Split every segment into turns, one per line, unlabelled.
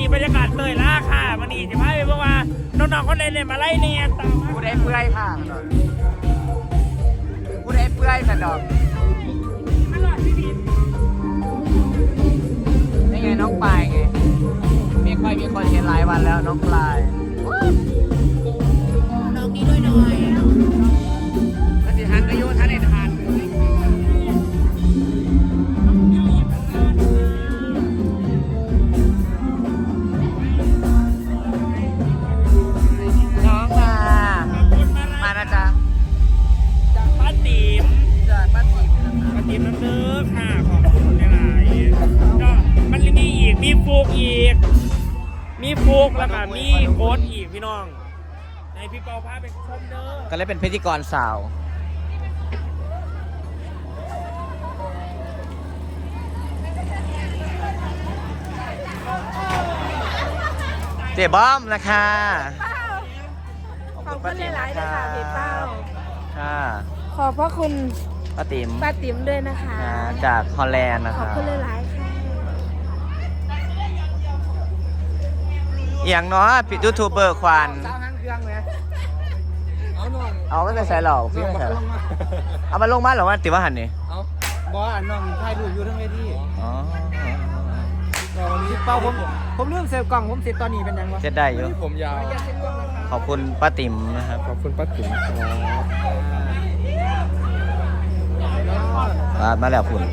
บรรยากาศเตยล่าค่ะมันนี่จะพาไปเพราะว่าน้องๆคนใดเนี่ยมาไล่เนี่ยตามมา
ผู้ใดเปื่อยค่ะผู้ใดเปื่อยสันดอกนี่ไงน้องปลายไงมีคนเห็นหลายวันแล้วน้องปลายน้องนี้ด้วยหน่อยถ้าสิหันอายุท่านเอ็นหันน้องมานะจ๊ะ
จากป้าติ๋ม
จากบ้านติ๋ม
ป้าติ๋มน้ำเด้อค่ะขอบคุณหลายๆก็มันมีอีกมีฟูกอีกมีฟูกแล้วก็มีโค้ดอีกพี่น้องในพี่เปาพาไปชมเด้อ
ก็เลยเป็นพิธีกรสาวเจ๊บ้อมนะคะ
ขอบคุณหลายๆเลยค่ะพี่เป้า
ค่ะ
ขอบพระคุณ
ป้าติ๋ม
ป้าติ๋มด้วยนะคะ
จากฮอลแลนด์นะ
ขอบ
คะ
คุณหลายๆค่ะ
อย่างน้อยปิดยูทูบเบอร์ควัน
สาวหางเครื่องไหมเอาน้อง
เอาไม่ใส่หรอกพี่ไม่ใส่หรอกเอามาลงมาหรอว่าติว่าหันนี่
เอาบอสน้องถ่ายรูปอยู่ทั้งเวที
อ๋อ
ก็วันนี้เป้าผมเรื่องเซลกล่องผมเสร็จตอนนี้เป็นยังวะ
เจ็ดได้อยู่
ผมยาว
ขอบคุณป้าติ๋มนะครับ
ขอบคุณป้าติ๋มครับ
มาแล้วคุณ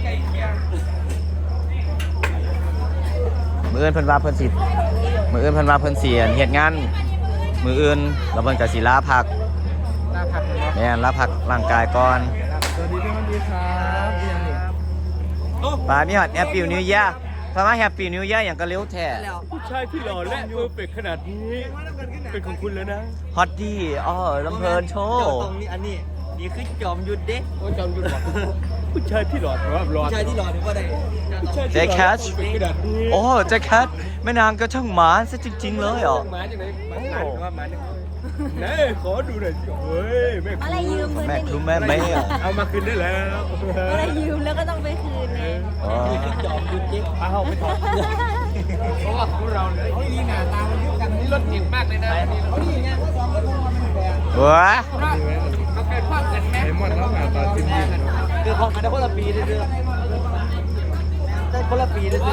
มืออื่นเพิ่นว่าเพิ่นสิมืออื่นเพิ่นว่าเพิ่นเสียเหตุงานมืออื่นแล้วเพิ่นก็สิลาพัก
ลาพักเลย
แม่นลาพักร่างกายก่อน
สวัสดีพี่มันดีครับพี่ยังนี่
ปามีฮอดแฮปปี้นิวเยียร์ถ้ามาแฮปปี้นิวเยียร์อย่างก็เร็วแท้
ผู้ชายที่หล่อและเพอร์เฟกต์ขนาดนี้เป็นของคุณแล้วนะ
ฮอตดี้ลำเพลินโชว์
ตรงนี้อันนี้นี่คือจอมยุทธเด้
โอ้ยจอมยุทธบอก
ผู้ชายที่หล่อเพราะว่าหล่อ
ผู้ชายที่รอนึกว่าได้
ผู้ชาย
เจ๊
ที่
แค
หล่อ
ท
และเพอร์เฟกต์ขนาดนี้
โอ้เจ๊แคทแม่นางก็ช่างหมาซะจริงๆเลยอ่ะ
หมาจากไหนหมาว่าหมาจากไหน
ไหนขอดูหน่อยสิเฮ้ยแม่
อะไรยืมเพื่อน
แม่
ได้
ครู
นี่
แม่ไม่อ่ะ
เอามาคืนได้แล้ว
อะไรยืมแล้วก็ต้องไปคืนไง
อ๋อ
จอมยุทธเด้
เอาไปถอด
เพราะว่าพวกเราเนี่ยเขาดีหน้าตามันยุบกันนี่รถเก่งมากเลยนะเขาดีไงเขาสองคนมันแดง
เว้ย
เขาเคยพลาดกันไหมไอ้มอนเขาหน้าตาจริง
คือของกันได้คนละปีเรื่อยๆได้คนละปีเรื่อย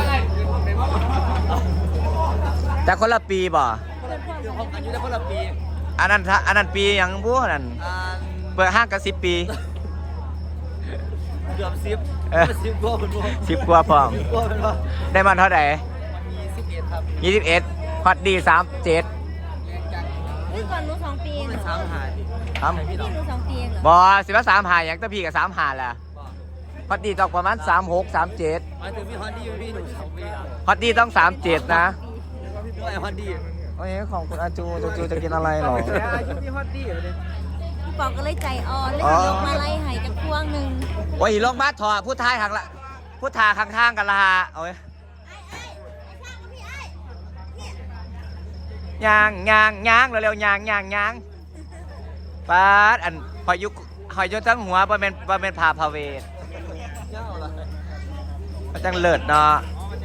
แต่คนละปีบ่
ๆคือของกันอยู่ได้คนละปี
อันนั้นปีหยังบู้นั่น
อ่า
เปิดห้างกัน10 ปี
เกือบ10
เออ
10กว่าเป็นบ่
10 กว่าพร้อม
10กว่าเป็นบ่
ได้มันเท่าไหร่
มี11ครับ
21ฮอตดี37
นี่ก่อนหนู2 ปีเอง
เป็น
เหรอ
3หาดิ
ครับ
พี่หนู2 ปีเองเหรอ
บ่สิว่า3หาหยังแตะพี่กับ3หาแหละฮอตดีต้องประมาณ36 37
หมายถึงพี่ฮอนดี้อยู่พี่หนู2ปีแล้ว
ฮอตดีต้อง37นะ
ด้วยฮอนดี้
โอ้ยของคุณอาจูจะกินอะไรหรอ
อายุพี่ฮอตดี้อยู่เลย
พี่ปอก็เลยใจอ่อนเลยยกมาไล่ให้จากพวงหนึ่ง
โอ้ยลงมาถอดผู้ทายหักละผู้ทาข้างๆกันละฮะโอ้ยยางเร็วๆยางปาดอันหอยยุทั้งหัวบ่เป็นผ่าพาเวท
เจ้าล่ะ
มันจังเลิศเนาะ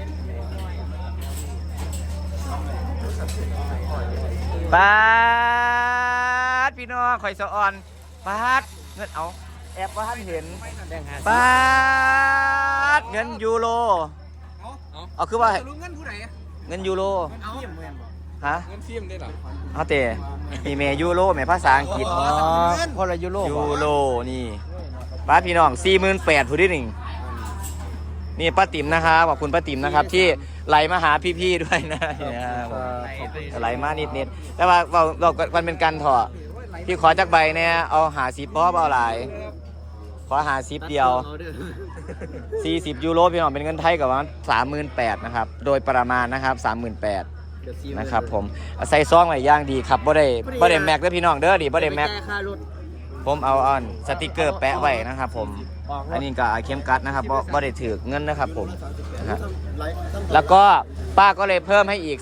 ปาดพี่น้องข่อยสะอ่อนปาดเงินเอาแอบว่าท่านเห็นปาดเงินยูโรเอาคือว่า
รู้เงินผู้ไหน
เงินยูโร
เอาเงินเงิน
ฮะ
ฟิล์มได้หรอ
เอาเตะมีเมยูโรแม่ภาษาอังกฤษ
พอละยูโร
ยูโรนี่ป้าพี่น้อง48,000ผู้ที่หนึ่งนี่ป้าติ๋มนะครับขอบคุณป้าติ๋มนะครับ ที่ไหลมาหาพี่ๆด้วยนะไหลมานิดๆแต่ว่าเรามันเป็นการถอดพี่ขอจักใบเนี่ยเอาหา10ป๊อบเอาหลายขอหา10เดียว40ยูโรพี่น้องเป็นเงินไทยกับว่า38,000นะครับโดยประมาณนะครับ38,000นะครับผมใส่ซองไว้อย่างดีครับบ่ได้แม็กเด้อพี่น้องเด้อดิบ่ได้แม็ก
ค่ารถ
ผมเอาสติกเกอร์แปะไว้นะครับผมอันนี้ก็เข้มกัดนะครับบ่ได้ถือเงินนะครับผมนะครับแล้วก็ป้าก็เลยเพิ่มให้อีก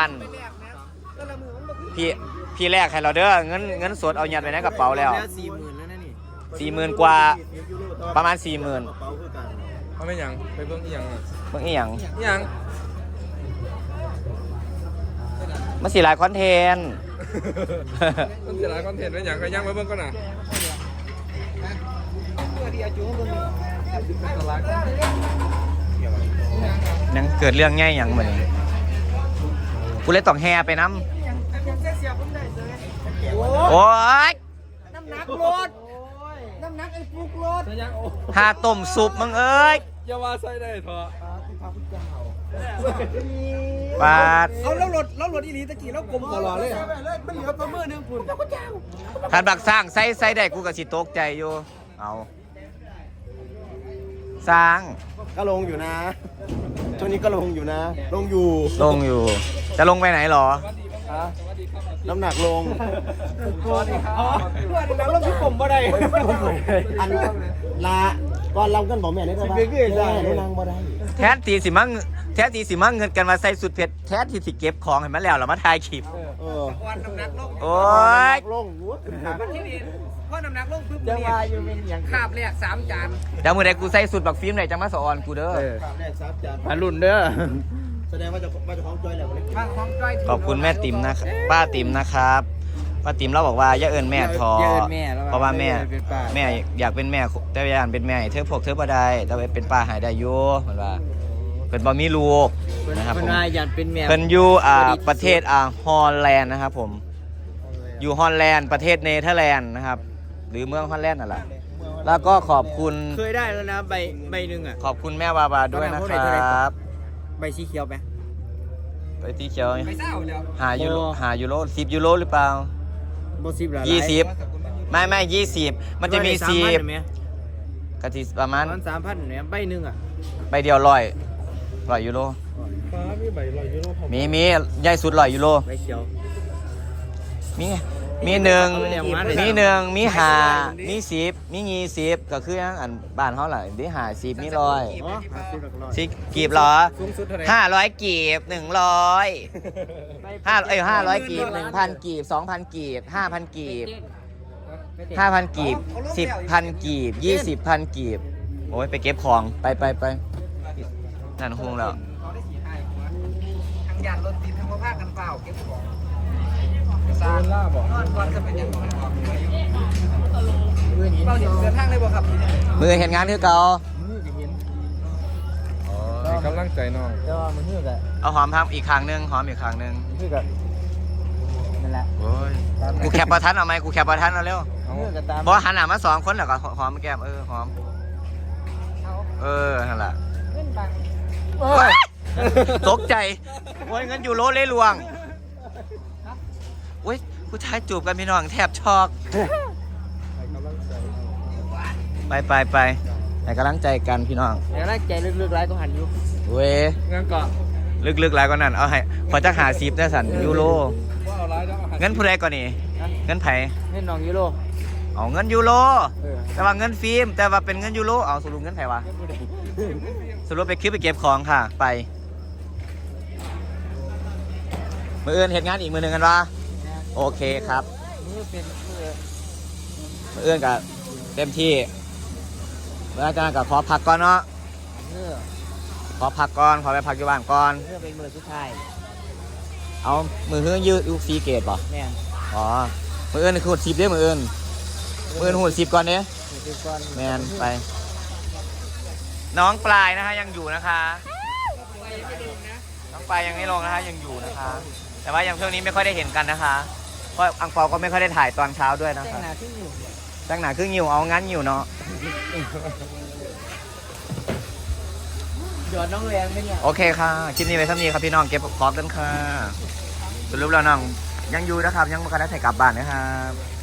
3,000พี่แรกให้เราเด้อเงินสดเอายัดไว้ในกระเป๋าแล้ว
40,000แล้วนะนี่
40,000 กว่าประมาณ 40,000
เขาไม่ยังไปเบิ่งอีหยัง
เบิ่งอีหยัง
อีหยัง
มันสิหลายคอนเทนต์
มันจะหลายคอนเทนต์เป็นอย่างก็ยังไว้เบิ่งก่อนนะ
ยังเกิดเรื่องง่ายอย่างเหมือนกูเลยต้องแห่ไปน้ำโอ้ย
น้ำหนักรถน้ำหนักไอ้ฟุกรถ
หาต้มซุปมึงเอ้ย
อย่าว่าใส่ได้เถอะ
บาด
เอาแล้วรถอีหลีตะกี้แล้วกลมตลอดเลยมันเหลือประมือนึงพุ่นเจ้าก็เจ้า
ท่านบักสร้างใส่ได้กูก็สิตกใจอยู่เอาสร้าง
ก็ลงอยู่นะช่วงนี้ก็ลงอยู่นะลงอยู่
ลงอยู่ จะลงไปไหนหรอ
น้ำหนักลงสวัสดีครับเพื่อนน้ำลงที่ผมบ่ได้อันลาก่อนเรากันบอกแม่ได้ป่ะแม่นางบ่ได้
แทนตีสิมั่งเงินกันมาใส่สุดเผ็ดแทนที่สิเก็บของให้มันแล้วเรามาถ่ายคลิป
วันน้ำหนักลง
โอ้ย
ลง
ที่นี่พอน้ำหนักลงปุ๊บ
จะว่าอยู่เป็นอย่าง
คาบแรก3 จาน
เดี๋ยวมือใดกูใส่สุดบักฟิล์มไหนจังมาสอนกูเด้อ
แรกซับจาน
มารุ่นเด้อ
แสดงว่าจะของจอยแล้ว
บางของจ้อย
ขอบคุณแม่ติ๋มนะครับป้าติ๋มนะครับป้าติ๋มเราบอกว่าอย่าเอิ้นแม่ทอเพราะว่าแม่อยากเป็นแม่แต่อยากเป็นแม่เธอพวกเธอบ่ได้แต่ว่าเป็นป้าหายได้อยู่เหมือนว่าเพิ่นบ่มีลูกนะครับผม
อยากเป็นแม่
เพิ่นอยู่ประเทศฮอลแลนด์นะครับผมอยู่ฮอลแลนด์ประเทศเนเธอร์แลนด์นะครับหรือเมืองฮอลแลนด์นั่นแหละแล้วก็ขอบคุณ
เคยได้แล้วนะใบหนึ่งอ่ะ
ขอบคุณแม่วาบาด้วยนะครับ
ใบสีเขียวไหม
ไปที่เขียว
ไปเศร้าเดี๋ยว
หายูโร10 ยูโรหรือเปล่า
บสิบหลาย
20ไม่20มันจะมี10กะทิประมาณ
มัน3,000เนี่ยใบหนึ่งอ่ะ
ใบเดียว100 ยูโร
ฟ้ามีใบ100 ยูโรผม
มีใหญ่สุด100 ยูโร
ใบเขียว
มีหนึ่งมีห้ามี10มี20ก็คืออันบ้านเขาแหละมี50มี100
อ๋อ50หลักร้อย
สิกีบเหรอ
สูงสุดเท่าไหร่
500 กีบ100 500 กีบ 1,000 กีบ 2,000 กีบ 5,000 กีบ 5,000 กีบ 10,000 กีบ 20,000 กีบโอ้ยไปเก็บของไปนั่นคงแล้ว
เขาได้ขี่ให้ทั้งยานรถติดทั้งผ้ากันเปล่าเก็บของซาล่าบอกนอนก่อนจะเป็นยังไงเราเดินทางเลยบ่ครับ
มือเห็นงานคือเก่า
กำลังใจน้อง
แต่ว่ามันคือแบบ
เอาหอมทำอีกครั้งหนึงหอมอีกครั้งหนึง
คือแบบนั่นแหละ
โอ้ยกูแคปประทันเอาไหมกูแคปประทันเอาเร็ว
คือกับตาม
เพราะหันหน้ามา2 คนแล้วก็หอมแก้มหอมนั่นแหละตกใจโอ้ยเงินยูโรเลยลวงโอ้ยผู้ชายจูบกันพี่น้องแทบช็อกไปให้กำลังใจกันพี่น้อง
แต่แรกใจลึกๆไรก็หันอยู่
เว้ย
งั้นก็
ลึกๆหลายกว่านั้นเอาให้ขอจักหา10ได้สั่นยูโร
ว่าเอาร้ายแล้ว
เงินผู้ใดก่อนนี่เงินไผ
เงินน้องยูโร
เอาเงินยูโรแต่ว่าเงินฟิล์มแต่ว่าเป็นเงินยูโรเอาสรุปเงินไผวะสรุปไปคลิปไปเก็บของค่ะไปมืออื่นเหตุงานอีกมือหนึ่งกันวะโอเคครับ
มือเป็นมือ
มืออื่นกับเต็มที่เมื่ออาจารย์กับขอพักก่อนเนาะ
มือ
ขอพักก่อนขอไปพักอยู่บ้านก่อน
มือเป็นมือสุดท้าย
เอามือหื้อยืดลูกซีเกตป่ะ
แม่น
อ๋อมืออื่นคือหุ่น10เด้อมืออื่นหุ่น10ก่อนเนี้ย
มือก่อน
แมนไป น้องปลายนะคะยังอยู่นะคะน้องปลายยังไม่ลงนะคะยังอยู่นะคะ แต่ว่ายังช่วงนี้ไม่ค่อยได้เห็นกันนะคะเพราะอังเปาก็ไม่ค่อยได้ถ่ายตอนเช้าด้วยนะ
แต่ง
คะ
หน้าที่อยู่
ตั้งหนาครึ่งหิวเอางั้นหิวเนาะ
หยอดน้องแรงไหมเนี่ย
โอเคค่ะคลิปนี้ไปซ้ำนี้ครับพี่น้องเก็บของกันค่ะสรุปแล้วน้องยังอยู่นะครับยังไม่ได้ใส่กลับบ้านนะครับ